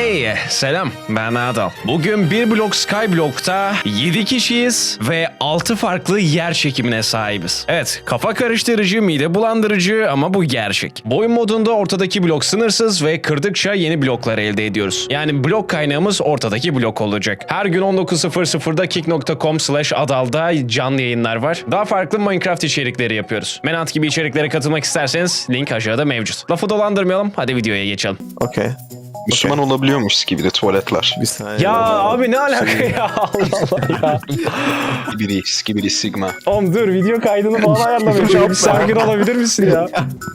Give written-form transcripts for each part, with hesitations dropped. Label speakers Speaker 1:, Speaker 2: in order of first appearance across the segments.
Speaker 1: Hey, selam. Ben Adal. Bugün bir blok Skyblock'ta 7 kişiyiz ve 6 farklı yer çekimine sahibiz. Evet, kafa karıştırıcı, mide bulandırıcı ama bu gerçek. Boyun modunda ortadaki blok sınırsız ve kırdıkça yeni bloklar elde ediyoruz. Yani blok kaynağımız ortadaki blok olacak. Her gün 19.00'da kick.com/adal'da canlı yayınlar var. Daha farklı Minecraft içerikleri yapıyoruz. Menant gibi içeriklere katılmak isterseniz link aşağıda mevcut. Lafı dolandırmayalım, hadi videoya geçelim.
Speaker 2: Okey.
Speaker 3: Müslüman olabiliyormuş gibi de tuvaletler.
Speaker 2: Bir saniye.
Speaker 1: Ya abi ne alaka ya? Allah Allah ya.
Speaker 3: Skibidi sigma.
Speaker 1: Oğlum dur, video kaydını bana ayarlamaya çalışıyorum. Bir sakin olabilir misin ya?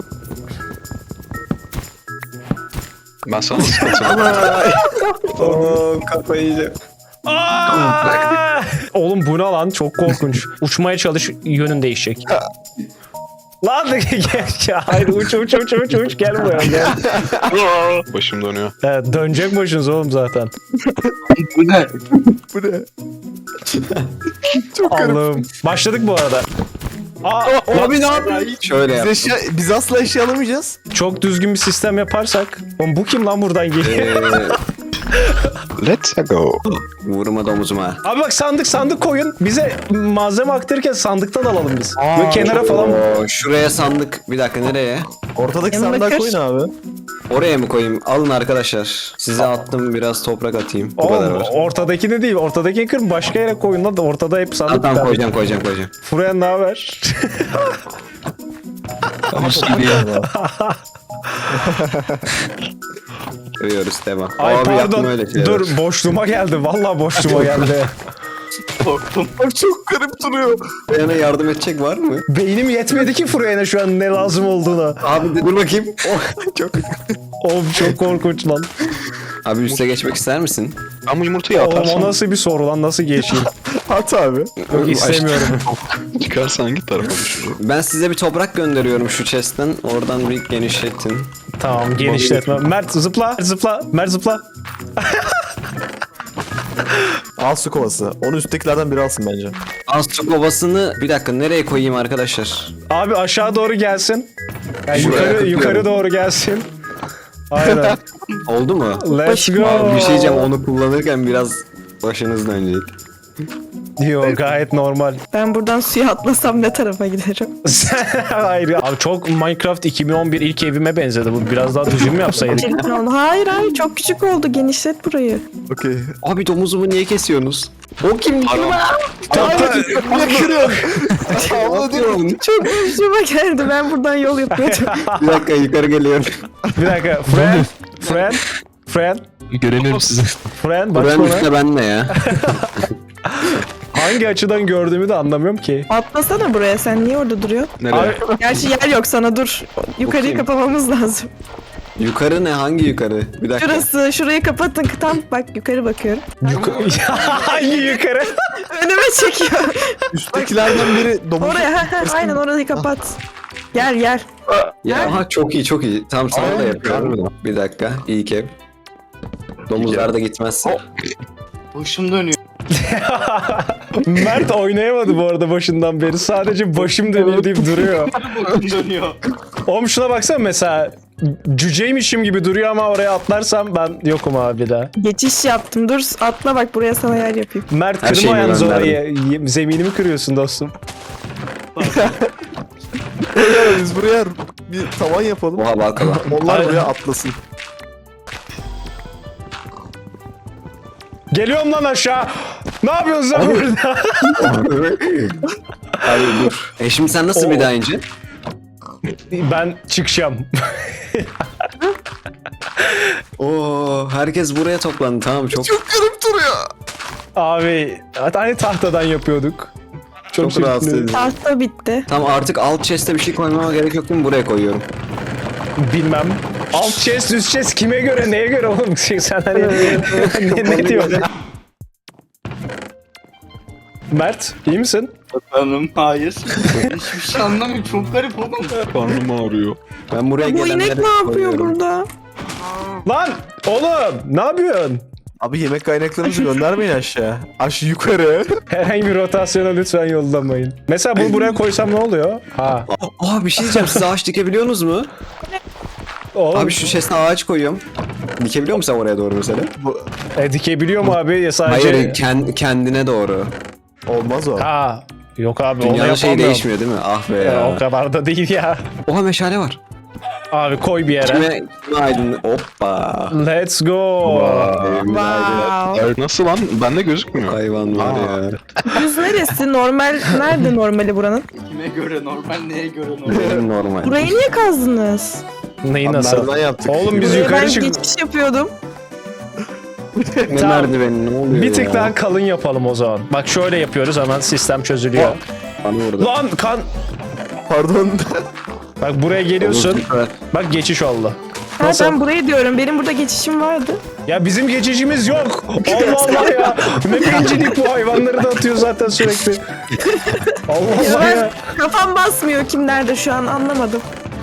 Speaker 3: Ben sana sıkıntı.
Speaker 2: Oğlum kafayı yiyeceğim.
Speaker 1: Aa! Oğlum bu ne lan? Çok korkunç. Uçmaya çalış, yönün değişecek. Lan da gel ya. Hayır uç gel buraya gel.
Speaker 3: Başım dönüyor.
Speaker 1: Evet, dönecek başınız oğlum zaten.
Speaker 2: Bu ne? Çok garip.
Speaker 1: Allah'ım. Başladık bu arada.
Speaker 2: Abi ne yapıyorsun?
Speaker 4: Şöyle yap.
Speaker 2: Biz asla eşya alamayacağız.
Speaker 1: Çok düzgün bir sistem yaparsak. Oğlum bu kim lan buradan geliyor?
Speaker 3: Let's go.
Speaker 4: Vurma domuzuma.
Speaker 1: Abi bak sandık koyun. Bize malzeme aktarırken sandıktan alalım biz. Böyle kenara falan.
Speaker 4: Oo, şuraya sandık. Bir dakika nereye?
Speaker 2: Ortadaki
Speaker 5: Yanına
Speaker 2: sandığa
Speaker 5: kır.
Speaker 2: koyun abi.
Speaker 4: Oraya mı koyayım? Alın arkadaşlar. Size attım, biraz toprak atayım. Bu kadar
Speaker 1: Oğlum
Speaker 4: var.
Speaker 1: ortadaki de değil. Ortadaki kır başka yere koyun lan da ortada hep sandık.
Speaker 4: Tamam koyacağım.
Speaker 1: Furyan ne haber?
Speaker 4: Görüyoruz devam.
Speaker 1: Ay
Speaker 4: Abi yaptım
Speaker 1: pardon.
Speaker 4: öyle şeyler.
Speaker 1: Dur boşluğuma geldi. Vallahi boşluğuma geldi.
Speaker 2: Abi çok garip duruyor.
Speaker 4: Yana yardım edecek var mı?
Speaker 1: Beynim yetmedi ki Furyan'a şu an ne lazım olduğuna.
Speaker 4: Abi dur bakayım.
Speaker 2: Çok
Speaker 1: Oğlum çok korkunç lan.
Speaker 4: Abi üste geçmek ister misin?
Speaker 3: Ben bu yumurtayı
Speaker 1: Oğlum o
Speaker 3: atarsam
Speaker 1: nasıl bir soru lan, nasıl geçeyim?
Speaker 2: at abi.
Speaker 1: Yok istemiyorum.
Speaker 3: çıkarsan hangi tarafa düşürür?
Speaker 4: Ben size bir toprak gönderiyorum şu chest'ten. Oradan bir genişletin.
Speaker 1: Tamam genişletme. Mert zıpla. Mert zıpla.
Speaker 2: Al su kovası. Onun üsttekilerden biri alsın bence.
Speaker 4: Az su kovasını bir dakika nereye koyayım arkadaşlar?
Speaker 1: Abi aşağı doğru gelsin. Yani
Speaker 4: Şuraya
Speaker 1: yukarı
Speaker 4: tıklıyorum.
Speaker 1: doğru gelsin. Aynen.
Speaker 4: Oldu mu?
Speaker 1: Let's go.
Speaker 4: Abi bir şey diyeceğim, onu kullanırken biraz başınız dönecek.
Speaker 1: Yok gayet normal.
Speaker 5: Ben buradan suya atlasam ne tarafa giderim?
Speaker 1: Hayır. Abi çok Minecraft 2011 ilk evime benzedi bu. Biraz daha düzgün mü yapsaydık?
Speaker 5: Çirkin oldu. Hayır çok küçük oldu. Genişlet burayı.
Speaker 2: Okey.
Speaker 4: Abi domuzumu niye kesiyorsunuz? O kim?
Speaker 2: Ne kırıyorsun?
Speaker 4: Atıyorum.
Speaker 5: Çok hoşuma geldi. Ben buradan yol yapıyordum.
Speaker 4: Bir dakika yukarı geliyorum.
Speaker 1: Bir dakika. Friend.
Speaker 6: Görelim sizi.
Speaker 1: Friend bak
Speaker 4: Buranın
Speaker 1: bana.
Speaker 4: üstte ben ne ya?
Speaker 1: Hangi açıdan gördüğümü de anlamıyorum ki.
Speaker 5: Atlasana buraya. Sen niye orada duruyorsun?
Speaker 4: Nereye?
Speaker 1: Abi,
Speaker 5: Gerçi yer yok sana, dur. Yukarıyı
Speaker 4: Bakayım.
Speaker 5: kapamamız lazım.
Speaker 4: Yukarı ne? Hangi yukarı? Bir dakika.
Speaker 5: Şurası. Şurayı kapatın. Tam bak yukarı bakıyorum.
Speaker 1: hangi yukarı?
Speaker 5: Önüme çekiyor.
Speaker 2: Üsttekilerden biri domuz.
Speaker 5: Oraya. Aynen orayı kapat. Gel.
Speaker 4: Ya aha, çok iyi. Tamam sana da
Speaker 2: Aynen.
Speaker 4: yapıyorum. Bir dakika. İlk ev. Domuzlar da gitmezse.
Speaker 7: Başım dönüyor.
Speaker 1: Mert oynayamadı bu arada başından beri. Sadece başım dönüyor deyip duruyor.
Speaker 7: Başım dönüyor.
Speaker 1: Oğlum şuna baksana mesela. Cüceymişim gibi duruyor ama oraya atlarsam ben yokum abi bir daha.
Speaker 5: Geçiş yaptım. Dur atla bak buraya sana yer yapayım.
Speaker 1: Mert
Speaker 4: Her
Speaker 1: kırma
Speaker 4: şeyimi
Speaker 1: yalnız
Speaker 4: gönderdim.
Speaker 1: orayı. Zeminimi kırıyorsun dostum.
Speaker 2: Biz buraya bir tavan yapalım.
Speaker 4: Oha bakalım.
Speaker 2: Onlar
Speaker 1: Aynen.
Speaker 2: buraya atlasın.
Speaker 1: Geliyorum lan aşağı. Ne yapıyorsun sen burada?
Speaker 4: Abi dur. Şimdi sen nasıl bir daha ince?
Speaker 1: Ben çıkacağım.
Speaker 4: Oo, herkes buraya toplandı. Tamam çok
Speaker 2: Garip duruyor.
Speaker 1: Abi hani tahtadan yapıyorduk.
Speaker 4: çok rahatsız edici.
Speaker 5: Tahta bitti.
Speaker 4: Tamam artık alt chest'e bir şey koymama gerek yok değil mi? Buraya koyuyorum.
Speaker 1: Bilmem. Alt chest üst chest kime göre neye göre oğlum sen hani ne diyorsun? Mert iyi misin?
Speaker 7: Efendim hayır. Hiçbir şey anlamıyorum. Çok garip oğlum.
Speaker 3: Karnım ağrıyor.
Speaker 4: Ben buraya
Speaker 5: Bu
Speaker 4: gelenleri
Speaker 5: inek ne yapıyor
Speaker 4: koyuyorum.
Speaker 5: burada?
Speaker 1: Lan oğlum ne yapıyorsun?
Speaker 2: Abi yemek kaynaklarımızı göndermeyin aşağı. Yukarı.
Speaker 1: Herhangi bir rotasyona lütfen yollamayın. Mesela bunu buraya koysam ne oluyor? Ha.
Speaker 4: Aa bir şey diyeceğim. Siz ağaç dikebiliyorsunuz mu?
Speaker 1: Oğlum,
Speaker 4: Abi şu chest'e ağaç koyuyorum. Dikebiliyor musun sen oraya doğru mesela?
Speaker 1: Dikebiliyor mu abi ya sadece?
Speaker 4: Hayır kendine doğru.
Speaker 2: Olmaz o.
Speaker 1: Ha. Yok abi onu
Speaker 4: Dünyada
Speaker 1: yapamıyorum.
Speaker 4: şey değişmiyor değil mi? Ah be
Speaker 1: Ya, o
Speaker 4: ya.
Speaker 1: kadar da değil ya.
Speaker 4: Oha meşale var.
Speaker 1: Abi koy bir yere.
Speaker 4: Kime aydın? Hoppa.
Speaker 1: Let's go.
Speaker 5: Wow.
Speaker 3: Nasıl lan? Bende gözükmüyor.
Speaker 4: Hayvan var ya.
Speaker 5: Düz neresi? Normal nerede normali buranın?
Speaker 7: Kime göre normal, neye göre normal?
Speaker 4: Benim normal.
Speaker 5: Burayı niye kazdınız?
Speaker 1: Neyi
Speaker 2: Abi
Speaker 1: nasıl?
Speaker 2: merdiven yaptık.
Speaker 1: Oğlum biz
Speaker 5: Buraya
Speaker 1: yukarı
Speaker 5: ben
Speaker 1: çık.
Speaker 5: geçiş yapıyordum.
Speaker 4: Ne
Speaker 1: Tamam.
Speaker 4: merdiveni ne oluyor
Speaker 1: Bir tık
Speaker 4: ya?
Speaker 1: daha kalın yapalım o zaman. Bak şöyle yapıyoruz hemen sistem çözülüyor.
Speaker 4: Bana vurdu.
Speaker 1: Lan kan.
Speaker 2: Pardon.
Speaker 1: Bak buraya geliyorsun.
Speaker 4: Süper.
Speaker 1: Bak geçiş oldu.
Speaker 5: Ha,
Speaker 1: Nasıl?
Speaker 5: ben burayı diyorum. Benim burada geçişim vardı.
Speaker 1: Ya bizim geçicimiz yok. Allah Allah ya. Ne bencillik bu, hayvanları da atıyor zaten sürekli. Allah
Speaker 5: Ya
Speaker 1: Allah
Speaker 5: ben
Speaker 1: ya.
Speaker 5: kafam basmıyor kim nerede şu an anlamadım.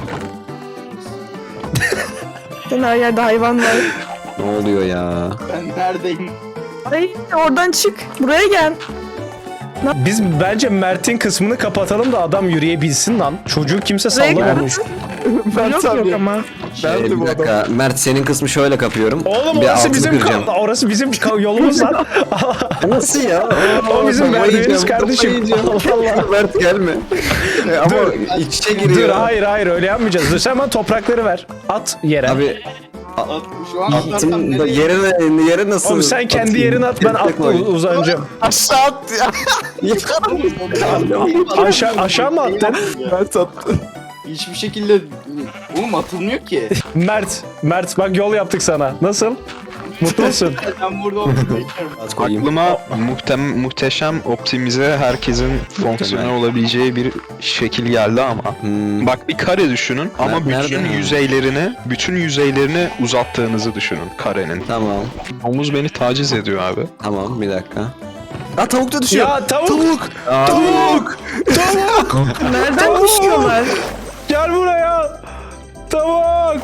Speaker 5: Sen her yerde hayvan var.
Speaker 4: Ne oluyor ya?
Speaker 7: Ben neredeyim?
Speaker 5: Ay oradan çık. Buraya gel.
Speaker 1: Biz bence Mert'in kısmını kapatalım da adam yürüyebilsin lan. Çocuğu kimse
Speaker 5: Buraya gel.
Speaker 1: sallamamış.
Speaker 2: Mert
Speaker 5: Yok
Speaker 2: abi.
Speaker 5: yok ama.
Speaker 2: Nerede
Speaker 4: Bir
Speaker 2: bu adam?
Speaker 4: dakika. Mert senin kısmı şöyle kapıyorum.
Speaker 1: Oğlum
Speaker 4: Bir
Speaker 1: orası
Speaker 4: altını
Speaker 1: bizim
Speaker 4: kıracağım.
Speaker 1: orası bizim yolumuz lan.
Speaker 4: Nasıl ya?
Speaker 1: O bizim merdiveniz kardeşim. Allah Allah.
Speaker 4: Mert gelme. Ama iç içe
Speaker 1: Dur
Speaker 4: giriyor.
Speaker 1: hayır öyle yapmayacağız. Dur sen bana toprakları ver. At yere.
Speaker 4: Abi
Speaker 7: Şu an atlarsam
Speaker 4: attım da
Speaker 7: nereye?
Speaker 4: yere nasıl?
Speaker 1: Oğlum sen kendi
Speaker 4: atayım?
Speaker 1: yerine at, ben
Speaker 4: Tek
Speaker 1: atla
Speaker 4: koy.
Speaker 1: uzanacağım.
Speaker 2: Aşağı at ya.
Speaker 1: Aşağı mı attın?
Speaker 2: Mert attı.
Speaker 7: Hiçbir şekilde oğlum atılmıyor ki.
Speaker 1: Mert bak yol yaptık sana. Nasıl? Mutlu musun?
Speaker 7: Ben burada oturuyorum.
Speaker 4: At koyayım.
Speaker 3: Aklıma muhteşem optimize herkesin fonksiyonel olabileceği bir şekil geldi ama.
Speaker 4: Hmm.
Speaker 3: Bak bir kare düşünün ama
Speaker 4: Nerede?
Speaker 3: bütün yüzeylerini uzattığınızı düşünün karenin.
Speaker 4: Tamam.
Speaker 3: Omuz beni taciz ediyor abi.
Speaker 4: Tamam bir dakika. Aa tavuk da düşüyor.
Speaker 1: Ya tavuk!
Speaker 4: Aa,
Speaker 1: Tavuk!
Speaker 5: Nereden düşüyorlar?
Speaker 1: Gel buraya! Tavuk!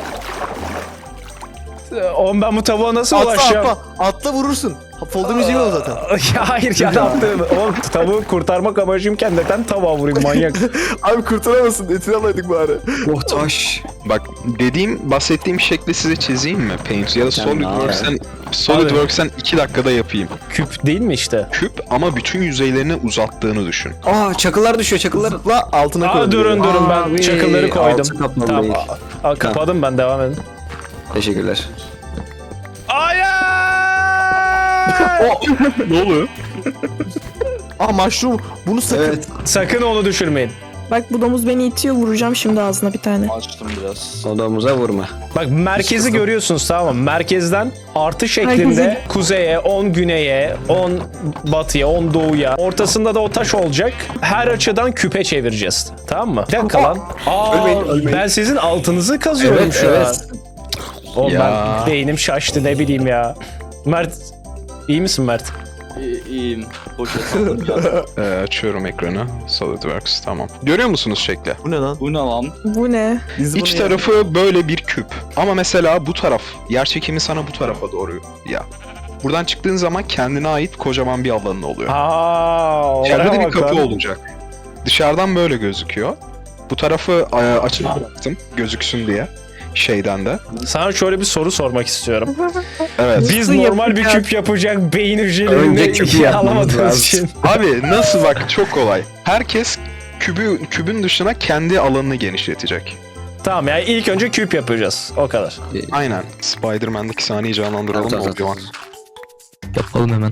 Speaker 1: Oğlum ben bu tavuğa nasıl
Speaker 2: Atla
Speaker 1: ulaşacağım?
Speaker 2: atla. Atla vurursun. Folder müziği o zaten.
Speaker 1: Ya hayır ya ne yaptın? Oğlum tavuğu kurtarmak amacımken neden tavuğa vurayım manyak?
Speaker 2: Abi kurtaramazsın. Etini alaydık bari.
Speaker 4: oh taş.
Speaker 3: Bak bahsettiğim şekli size çizeyim mi Paint ya da SolidWorks'ten 2 dakikada yapayım.
Speaker 1: Küp değil mi işte?
Speaker 3: Küp ama bütün yüzeylerini uzattığını düşün.
Speaker 4: Aa çakıllar düşüyor çakıllar.
Speaker 2: La altına koy.
Speaker 1: Aa durun ben
Speaker 4: Abi,
Speaker 1: çakılları koydum.
Speaker 4: altı kaplı
Speaker 1: Tamam
Speaker 4: değil.
Speaker 1: kapadım ben, devam edin.
Speaker 4: Teşekkürler.
Speaker 1: Hayır!
Speaker 3: Ne oluyor?
Speaker 2: Aa mushroom. Bunu sakın.
Speaker 4: Evet.
Speaker 1: Sakın onu düşürmeyin.
Speaker 5: Bak bu domuz beni itiyor vuracağım şimdi ağzına bir tane.
Speaker 7: Açtım biraz.
Speaker 4: Odamıza vurma.
Speaker 1: Bak merkezi görüyorsunuz tamam mı? Merkezden artı şeklinde
Speaker 5: Merkezi.
Speaker 1: kuzeye, 10 güneye, 10 batıya, 10 doğuya. Ortasında da o taş olacak. Her açıdan küpe çevireceğiz. Tamam mı? Bir dakika lan.
Speaker 2: Ölmeyin.
Speaker 1: Ben sizin altınızı kazıyorum
Speaker 4: Evet,
Speaker 1: şu
Speaker 4: evet.
Speaker 1: an. Oğlum
Speaker 3: Ya.
Speaker 1: ben beynim şaştı ne bileyim ya. Mert iyi misin Mert?
Speaker 7: İyiyim. Boş atıldım ya.
Speaker 3: Açıyorum ekranı. SolidWorks tamam. Görüyor musunuz şekli?
Speaker 2: Bu ne lan?
Speaker 7: Bu ne lan?
Speaker 5: Bu ne?
Speaker 2: Biz bunu
Speaker 3: İç
Speaker 2: ya-
Speaker 3: tarafı böyle bir küp. Ama mesela bu taraf, yer çekimi sana bu tarafa doğru ya. Buradan çıktığın zaman kendine ait kocaman bir alanın oluyor.
Speaker 1: Aa,
Speaker 3: İçeride de
Speaker 1: oraya
Speaker 3: bir
Speaker 1: bak
Speaker 3: kapı
Speaker 1: lan.
Speaker 3: olacak. Dışarıdan böyle gözüküyor. Bu tarafı açık bıraktım gözüksün diye. Şeyden de.
Speaker 1: Sana şöyle bir soru sormak istiyorum.
Speaker 3: Evet.
Speaker 1: Biz
Speaker 5: Nasıl
Speaker 1: normal bir
Speaker 5: yapacağız?
Speaker 1: küp yapacak beyin
Speaker 4: Önce
Speaker 1: hücrelerini
Speaker 4: küpü yapmamız
Speaker 1: alamadığımız
Speaker 4: lazım.
Speaker 1: için.
Speaker 3: Abi nasıl bak çok kolay. Herkes kübün dışına kendi alanını genişletecek.
Speaker 1: Tamam yani ilk önce küp yapacağız. O kadar.
Speaker 3: Aynen. Spider-Man'deki sahneyi canlandıralım
Speaker 4: Tamam,
Speaker 3: mı
Speaker 4: tamam,
Speaker 3: Obi-Wan?
Speaker 6: Yapalım hemen.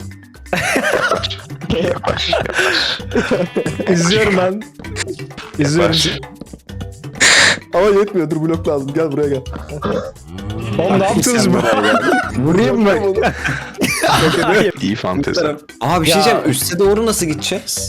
Speaker 3: Yavaş.
Speaker 1: İzliyorum ben. İzliyorum.
Speaker 3: Yavaş.
Speaker 2: Ama yetmiyor. Dur blok lazım. Gel buraya gel.
Speaker 1: Oğlum ne yaptınız bu?
Speaker 4: Vurayım mı?
Speaker 3: İyi fantezi.
Speaker 4: Aa bir şey
Speaker 1: Ya.
Speaker 4: diyeceğim. Üste doğru nasıl gideceğiz?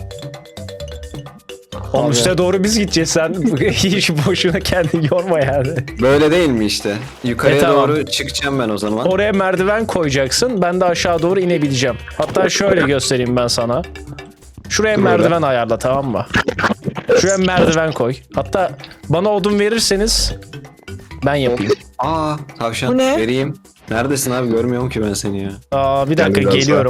Speaker 1: Oğlum üste doğru biz gideceğiz, sen hiç boşuna kendini yorma yani.
Speaker 4: Böyle değil mi işte? Yukarıya
Speaker 1: tamam.
Speaker 4: doğru çıkacağım ben o zaman.
Speaker 1: Oraya merdiven koyacaksın, ben de aşağı doğru inebileceğim. Hatta şöyle göstereyim ben sana. Şuraya merdiven ayarla, tamam mı? Şuraya merdiven koy. Hatta bana odun verirseniz ben yapayım.
Speaker 4: Aa tavşan
Speaker 5: Bu ne?
Speaker 4: vereyim. Neredesin abi görmüyorum ki ben seni ya.
Speaker 1: Aa, bir dakika
Speaker 3: biraz daha.
Speaker 1: geliyorum.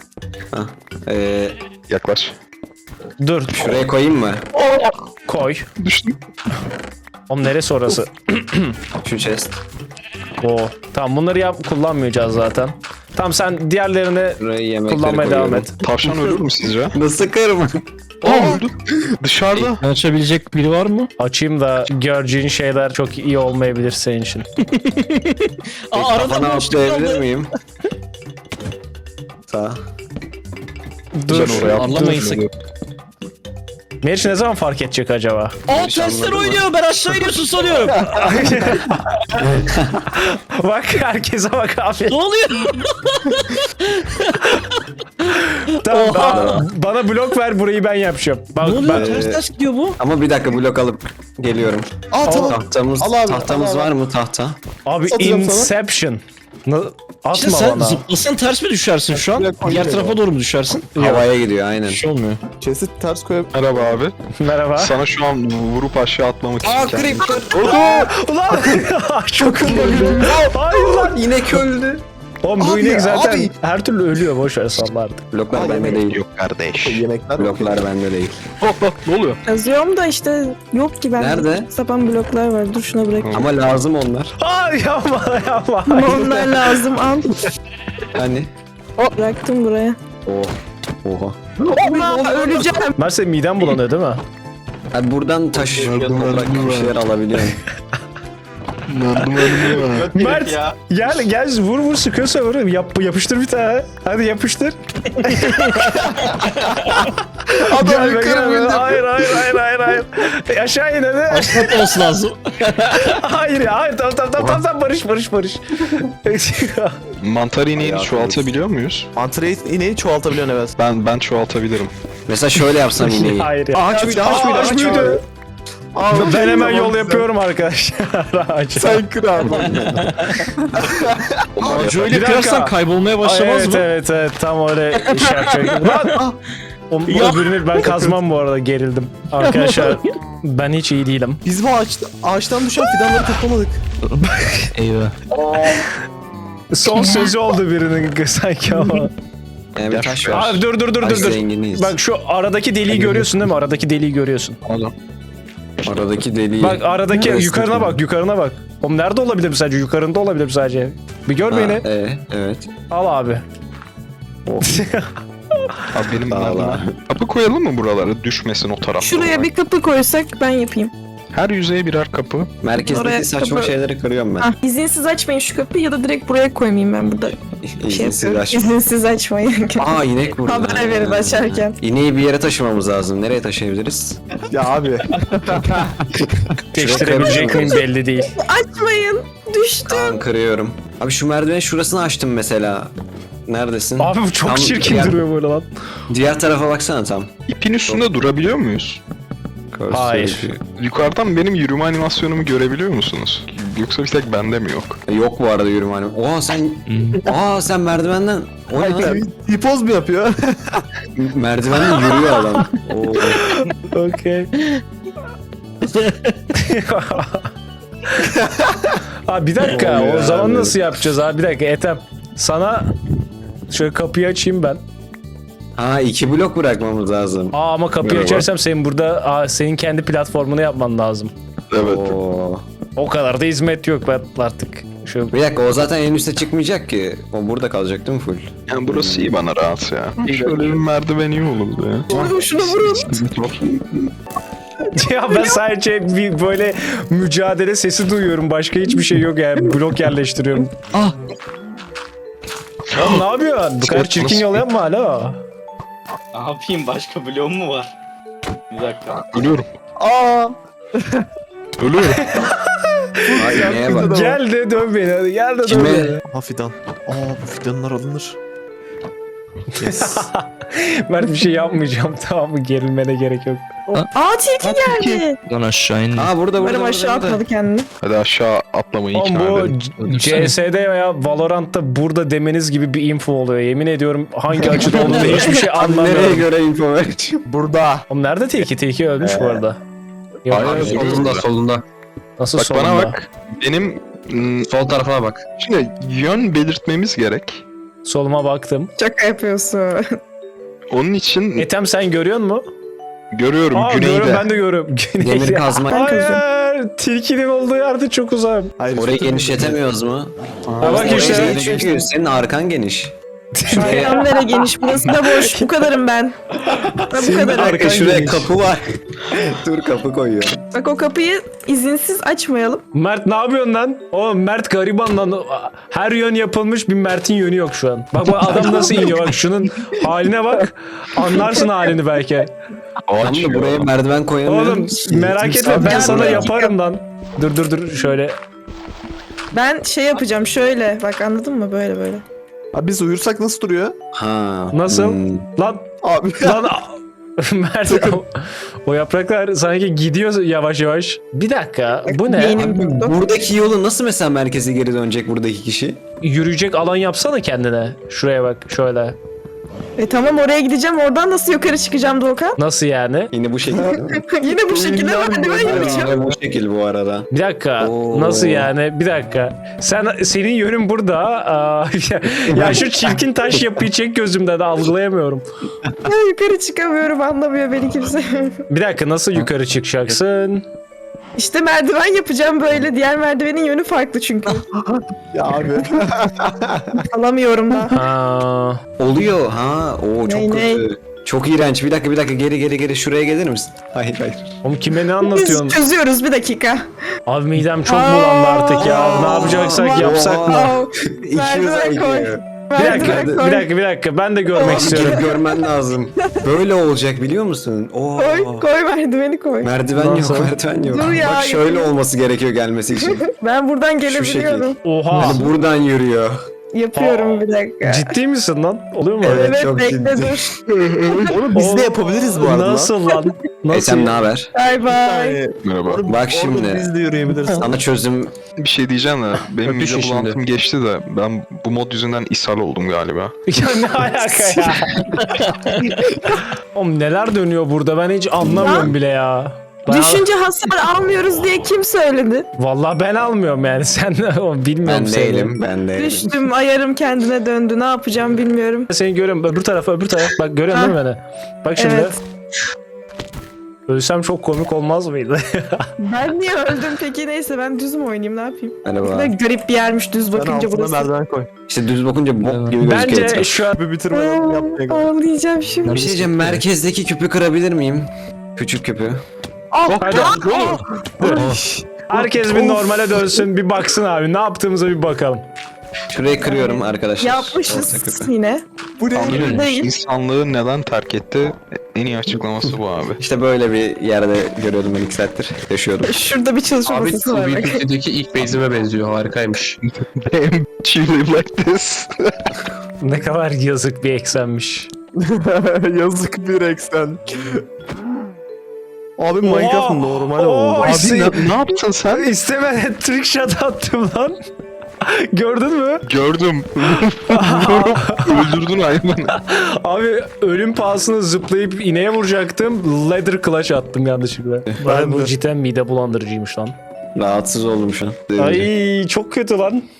Speaker 3: Yaklaş.
Speaker 1: Dur
Speaker 4: Şuraya koyayım mı?
Speaker 1: koy.
Speaker 3: Düştüm.
Speaker 1: Oğlum neresi orası?
Speaker 4: Şu chest.
Speaker 1: Oo. Tamam bunları kullanmayacağız zaten. Tamam sen diğerlerini
Speaker 4: Buraya yemekleri
Speaker 1: kullanmaya devam
Speaker 4: koyuyorum.
Speaker 1: et.
Speaker 3: Tavşan ölür mü sizce?
Speaker 4: Nasıl kırma?
Speaker 3: Öldü. Dışarıda.
Speaker 6: Açabilecek biri var mı?
Speaker 1: Açayım da göreceğin şeyler çok iyi olmayabilir senin için.
Speaker 4: Kafana atlayabilir miyim? Sağ.
Speaker 1: Dur.
Speaker 3: Sen oraya
Speaker 6: Anlamayın
Speaker 3: atla.
Speaker 6: sakın.
Speaker 1: Meriç ne zaman fark edecek acaba?
Speaker 6: Aa testler oynuyor, ben aşağı iniyorsun sanıyorum.
Speaker 1: Bak herkese bak abi.
Speaker 6: Ne oluyor?
Speaker 1: Tamam, bana blok ver burayı ben yapacağım. Bak
Speaker 6: Ne oluyor?
Speaker 1: ben
Speaker 6: Ters gidiyor bu.
Speaker 4: Ama bir dakika blok alıp geliyorum.
Speaker 2: Aa tamam.
Speaker 4: Tahtamız
Speaker 2: al abi.
Speaker 4: var mı tahta?
Speaker 1: abi
Speaker 2: Satacağım sana.
Speaker 1: Inception. Atma
Speaker 6: İşte sen
Speaker 1: bana.
Speaker 6: zıplasan ters mi düşersin şu an?
Speaker 2: Direkt
Speaker 6: Diğer
Speaker 2: koyuyorum.
Speaker 6: tarafa doğru mu düşersin?
Speaker 4: Havaya gidiyor aynen.
Speaker 6: Bir şey olmuyor.
Speaker 2: Chest'i ters koyup.
Speaker 3: Merhaba abi.
Speaker 1: Merhaba.
Speaker 3: Sana şu an vurup aşağı atlamak için kendimi-
Speaker 1: Ulan çok Hayır lan.
Speaker 4: İnek öldü.
Speaker 1: Oğlum bu
Speaker 2: Abi,
Speaker 1: inek zaten
Speaker 2: abi.
Speaker 1: her türlü ölüyor. Boş ver sallardı.
Speaker 4: Bloklar bende değil.
Speaker 3: Yok kardeş.
Speaker 2: Yemekler.
Speaker 4: Bloklar bende değil.
Speaker 3: Ne oluyor?
Speaker 5: Yazıyorum da işte yok ki bende.
Speaker 4: Nerede?
Speaker 5: Sapan bloklar var. Dur şuna bırak.
Speaker 4: Ama lazım onlar.
Speaker 1: Ay yapma yapma.
Speaker 5: Ama onlar lazım. Al.
Speaker 4: Hani?
Speaker 5: Bıraktım buraya.
Speaker 4: Oha.
Speaker 5: Allah öleceğim.
Speaker 1: Mert senin miden bulanıyor değil mi?
Speaker 4: Hadi buradan taş toprak bir şeyler alabiliyorum.
Speaker 1: Mert
Speaker 7: ya.
Speaker 1: gel vur sıkıyorsa vur. Yapıştır bir tane. Hadi yapıştır.
Speaker 2: Adam
Speaker 1: Gelme,
Speaker 2: yukarı
Speaker 1: gelme.
Speaker 2: bindi.
Speaker 1: Hayır. Aşağı in hadi.
Speaker 6: Aşağı olması lazım.
Speaker 1: Hayır tamam barış.
Speaker 3: Mantar ineğini çoğaltabiliyor muyuz?
Speaker 2: Mantarayı ineği çoğaltabiliyorsun evet.
Speaker 3: Ben çoğaltabilirim.
Speaker 4: Mesela şöyle yapsam ineği.
Speaker 1: Hayır ya.
Speaker 2: Ağaç mıydı? Ağaç mıydı?
Speaker 1: Ben hemen yol yapıyorum arkadaşlar. Ağaça.
Speaker 2: Sen kır abi.
Speaker 6: Ağacı
Speaker 1: Bir
Speaker 6: öyle
Speaker 1: dakika.
Speaker 6: kırarsan kaybolmaya başlamaz mı?
Speaker 1: Evet tam öyle şey yapacak. Lan! Öbürünü ben kazmam bu arada gerildim. Arkadaşlar ben hiç iyi değilim.
Speaker 2: Biz bu ağaçtan düşen fidanları toplamadık.
Speaker 6: Eyvah.
Speaker 1: Son sözü oldu birinin sanki ama.
Speaker 4: Yani bir taş var.
Speaker 1: Abi dur.
Speaker 4: Taş zenginiyiz.
Speaker 1: Bak şu aradaki deliği görüyorsun değil mi? Aradaki deliği görüyorsun.
Speaker 3: Adam.
Speaker 4: Aradaki deliği.
Speaker 1: Bak aradaki
Speaker 4: Neresi
Speaker 1: yukarına bak. Oğlum nerede olabilir mi sadece? Yukarında olabilir mi sadece? Bir gör
Speaker 4: Ha,
Speaker 1: beni.
Speaker 4: evet.
Speaker 1: Al abi.
Speaker 3: Abi benim
Speaker 4: Vallahi.
Speaker 3: bunlardan. Kapı koyalım mı buralara? Düşmesin o taraflara.
Speaker 5: Şuraya bir kapı koysak ben yapayım.
Speaker 3: Her yüzeye birer kapı.
Speaker 4: Merkezdeki
Speaker 5: Oraya
Speaker 4: saçma
Speaker 5: kapı-
Speaker 4: şeyleri kırıyorum ben.
Speaker 5: Ah, izinsiz açmayın şu kapıyı ya da direkt buraya koymayayım ben burada.
Speaker 4: İzinsiz
Speaker 5: yapıyorum.
Speaker 4: aç.
Speaker 5: İzinsiz açmayın.
Speaker 4: Aa inek burada.
Speaker 5: Haber verin açarken.
Speaker 4: İneği bir yere taşımamız lazım. Nereye taşıyabiliriz?
Speaker 2: Ya abi.
Speaker 1: Değiştirebilecek miyim belli değil.
Speaker 5: Açmayın. Düştüm.
Speaker 4: Tamam kırıyorum. Abi şu merdivenin şurasını açtım mesela. Neredesin?
Speaker 1: Abi bu çok
Speaker 4: Tam
Speaker 1: çirkin
Speaker 4: diğer-
Speaker 1: duruyor böyle lan.
Speaker 4: Diğer tarafa baksana tam.
Speaker 3: İpin üstünde durabiliyor muyuz?
Speaker 1: Hayır.
Speaker 3: Yukarıdan benim yürüme animasyonumu görebiliyor musunuz? Yoksa bir tek bende mi yok?
Speaker 4: Yok bu arada yürüme hani. Sen merdivenden. O ne lan?
Speaker 2: Hipoz mu yapıyor?
Speaker 4: Merdivenden yürüyor adam. Oo.
Speaker 1: Okey. Abi bir dakika
Speaker 4: Ne oluyor
Speaker 1: o zaman
Speaker 4: abi?
Speaker 1: nasıl yapacağız abi? Bir dakika Ethem. Sana şöyle kapıyı açayım ben.
Speaker 4: Ha 2 blok bırakmamız lazım.
Speaker 1: Ama kapıyı
Speaker 3: Merhaba.
Speaker 1: açarsam senin burada senin kendi platformunu yapman lazım.
Speaker 3: Evet.
Speaker 4: Oo.
Speaker 1: O kadar da hizmet yok ben artık. Şu
Speaker 4: Bir dakika o zaten en üste çıkmayacak ki. O burada kalacak değil mi full?
Speaker 3: Yani burası iyi bana rahat ya. Şöyle bir merdiven iyi olurdu ya.
Speaker 5: Vurun şunu vurun.
Speaker 1: ya ben sadece bir böyle mücadele sesi duyuyorum. Başka hiçbir şey yok yani. Blok yerleştiriyorum.
Speaker 6: Ah.
Speaker 1: Oğlum ne yapıyorsun? Bu kadar çirkin yol yapma hala.
Speaker 7: Ne yapayım, başka bloğum mu var? Bir dakika.
Speaker 3: Ölüyorum.
Speaker 2: Aa.
Speaker 3: Ölüyorum.
Speaker 4: Ay neye bak.
Speaker 1: Gel de dön beni hadi. Gel de dön
Speaker 4: Kime?
Speaker 1: beni.
Speaker 2: Ha fidan. Bu fidanlar alınır. Yes.
Speaker 1: Mert bir şey yapmayacağım tamam mı? Gerilmene gerek yok.
Speaker 5: Aa tilki geldi.
Speaker 6: Lan aşağı in.
Speaker 4: Aa burada
Speaker 5: Umarım aşağı atmadı kendini.
Speaker 3: Hadi aşağı atlamayı
Speaker 1: Oğlum
Speaker 3: ikna
Speaker 1: bu
Speaker 3: edelim.
Speaker 1: CS'de veya Valorant'ta burada demeniz gibi bir info oluyor. Yemin ediyorum hangi açıda olduğunu hiçbir şey
Speaker 4: Nereye
Speaker 1: anlamıyorum.
Speaker 4: göre info vereceğim?
Speaker 2: Burada.
Speaker 1: Oğlum nerede Tilki? Tilki ölmüş bu arada. Yok,
Speaker 3: Hayır,
Speaker 4: Solunda solunda.
Speaker 1: nasıl
Speaker 3: Bak
Speaker 1: solunda?
Speaker 3: bana bak. Benim
Speaker 4: Sol tarafına bak.
Speaker 3: şimdi yön belirtmemiz gerek.
Speaker 1: Soluma baktım.
Speaker 5: Şaka yapıyorsun.
Speaker 3: Onun için
Speaker 1: Ethem sen görüyor musun?
Speaker 3: görüyorum
Speaker 1: Aa
Speaker 3: güneyde.
Speaker 1: görüyorum ben de görüyorum.
Speaker 4: Demir kazma.
Speaker 5: Ben kazıyorum.
Speaker 1: Hayır. ben tilkinin olduğu yerde çok uzağım.
Speaker 2: Hayır,
Speaker 4: Orayı
Speaker 2: üstüne-
Speaker 4: genişletemiyoruz mu?
Speaker 1: Ha bak
Speaker 4: Orayı
Speaker 1: işte.
Speaker 4: geniş çünkü senin arkan geniş.
Speaker 5: Ayağım nere geniş, burası da boş. Bu kadarım ben. Ben bu kadarım.
Speaker 4: Arka şuraya kapı var. Dur kapı koyuyor.
Speaker 5: Bak o kapıyı izinsiz açmayalım.
Speaker 1: Mert ne yapıyorsun lan? Oğlum Mert gariban lan. Her yön yapılmış, bir Mert'in yönü yok şu an. Bak adam nasıl iniyor, bak şunun haline bak. Anlarsın halini belki.
Speaker 4: Tam da buraya merdiven koyamıyorum.
Speaker 1: Oğlum merak etme, ben sana yaparım lan. Dur şöyle.
Speaker 5: Ben şey yapacağım şöyle. Bak anladın mı? Böyle böyle.
Speaker 2: Abi biz uyursak nasıl duruyor?
Speaker 4: Ha.
Speaker 1: Nasıl?
Speaker 4: hmm.
Speaker 1: Lan
Speaker 2: Abi
Speaker 1: lan Mert o yapraklar sanki gidiyor yavaş yavaş. Bir dakika bu ne?
Speaker 5: Beynim durdu.
Speaker 4: Buradaki yolu nasıl mesela merkeze geri dönecek buradaki kişi?
Speaker 1: Yürüyecek alan yapsana kendine. Şuraya bak şöyle.
Speaker 5: Tamam oraya gideceğim. Oradan nasıl yukarı çıkacağım Doğukan?
Speaker 1: Nasıl yani?
Speaker 4: Yine bu şekilde değil mi?
Speaker 5: Yine bu şekilde merdiven yapacağım.
Speaker 4: Yine bu şekil bu arada.
Speaker 1: Bir dakika.
Speaker 4: Oo.
Speaker 1: Nasıl yani? Bir dakika. Senin yönün burada. Ya şu çirkin taş yapıyı çek gözümden, algılayamıyorum.
Speaker 5: Ya yukarı çıkamıyorum, anlamıyor beni kimse.
Speaker 1: Bir dakika, nasıl yukarı çıkacaksın?
Speaker 5: İşte merdiven yapacağım böyle. Diğer merdivenin yönü farklı çünkü.
Speaker 2: ya abi.
Speaker 5: Alamıyorum da.
Speaker 1: Aa,
Speaker 4: Oluyor ha. Oo çok
Speaker 5: Ney,
Speaker 4: kötü. Çok iğrenç. Bir dakika geri şuraya gelir misin? Hayır.
Speaker 1: oğlum kime ne
Speaker 5: Biz
Speaker 1: anlatıyorsun?
Speaker 5: çözüyoruz bir dakika.
Speaker 1: Abi midem çok bulandı artık ya. Ne yapacaksak yapsak mı?
Speaker 5: Aa,
Speaker 4: 200
Speaker 5: merdiven koy.
Speaker 4: IQ.
Speaker 1: Bir dakika. Ben de görmek
Speaker 4: Gidip
Speaker 1: istiyorum.
Speaker 4: görmen lazım. Böyle olacak biliyor musun? Oo.
Speaker 5: Koy merdiveni koy.
Speaker 4: Merdiven
Speaker 1: Nasıl?
Speaker 4: yok, merdiven yok.
Speaker 5: Dur ya,
Speaker 4: Bak şöyle
Speaker 5: yapayım.
Speaker 4: olması gerekiyor gelmesi için.
Speaker 5: Ben buradan
Speaker 4: şekil.
Speaker 5: gelebiliyorum.
Speaker 1: Oha.
Speaker 4: Hani buradan yürüyor.
Speaker 5: Yapıyorum bir dakika.
Speaker 1: Ciddi misin lan? Oluyor mu?
Speaker 4: Evet.
Speaker 5: Evet
Speaker 4: çok
Speaker 5: bekle
Speaker 4: ciddi.
Speaker 5: dur.
Speaker 2: Onu biz de yapabiliriz bu arada.
Speaker 1: Nasıl lan? Nasıl?
Speaker 4: Sen ne haber?
Speaker 5: Bye bye.
Speaker 2: Yani,
Speaker 3: Merhaba.
Speaker 2: orada
Speaker 4: Bak şimdi.
Speaker 2: Biz de yürüyebiliriz.
Speaker 4: Sana çözüm
Speaker 3: Bir şey diyeceğim de benim
Speaker 6: Öpüşün
Speaker 3: mide
Speaker 6: şimdi.
Speaker 3: bulantım geçti de ben bu mod yüzünden ishal oldum galiba.
Speaker 1: Ya ne alaka ya? Oğlum neler dönüyor burada, ben hiç anlamıyorum bile ya.
Speaker 5: Düşünce hasar almıyoruz diye kim söyledi?
Speaker 1: Vallahi ben almıyorum yani, sen bilmiyorum
Speaker 4: ben
Speaker 1: seni.
Speaker 4: değilim.
Speaker 5: Düştüm, ayarım kendine döndü. Ne yapacağım bilmiyorum.
Speaker 1: Seni görüyorum, öbür taraf. Bak görüyorsun değil mi beni? Bak şimdi.
Speaker 5: Evet.
Speaker 1: Ölsem çok komik olmaz mıydı?
Speaker 5: Ben niye öldüm peki? Neyse ben düz mü oynayayım, ne yapayım?
Speaker 4: Merhaba.
Speaker 5: Ne garip bir yermiş düz
Speaker 2: Ben
Speaker 5: bakınca
Speaker 2: altına
Speaker 5: burası.
Speaker 2: merdiven koy.
Speaker 4: İşte düz bakınca bok gibi gözüküyor.
Speaker 1: Bence
Speaker 4: etraf.
Speaker 1: şu an
Speaker 2: Bir bitirmeden yapmaya gerek.
Speaker 5: Ağlayacağım şimdi.
Speaker 4: Bir şey diyeceğim, merkezdeki küpü kırabilir miyim? Küçük küpü.
Speaker 1: hadi. Herkes bir normale dönsün, bir baksın abi. Ne yaptığımıza bir bakalım.
Speaker 4: Şurayı kırıyorum arkadaşlar. Orta
Speaker 5: Yapmışız
Speaker 4: küpü.
Speaker 5: yine.
Speaker 2: Bu ne?
Speaker 3: Tanrı
Speaker 5: Değil.
Speaker 3: insanlığı neden terk etti? En iyi açıklaması bu abi.
Speaker 4: İşte böyle bir yerde görüyordum ben 2 saattir. Yaşıyordum.
Speaker 5: Şurada bir çalışma
Speaker 6: Abi
Speaker 5: masası var bak.
Speaker 6: Tubi'deki ilk base'ime benziyor. Harikaymış.
Speaker 3: Damn, she live like this.
Speaker 1: Ne kadar yazık bir eksenmiş.
Speaker 2: Yazık bir eksen. Abi Minecraft normal oldu.
Speaker 1: Oha!
Speaker 3: Abi ne yaptın sen?
Speaker 1: İstemeden trick shot attım lan. Gördün mü?
Speaker 3: Gördüm. Öldürdün hayvanı.
Speaker 1: Abi ölüm pahasına zıplayıp ineğe vuracaktım. Leather clutch attım yanlışlıkla.
Speaker 2: Ben
Speaker 1: Bu
Speaker 2: de.
Speaker 1: cidden mide bulandırıcıymış lan.
Speaker 4: Rahatsız oldum şu an.
Speaker 1: Ay çok kötü lan.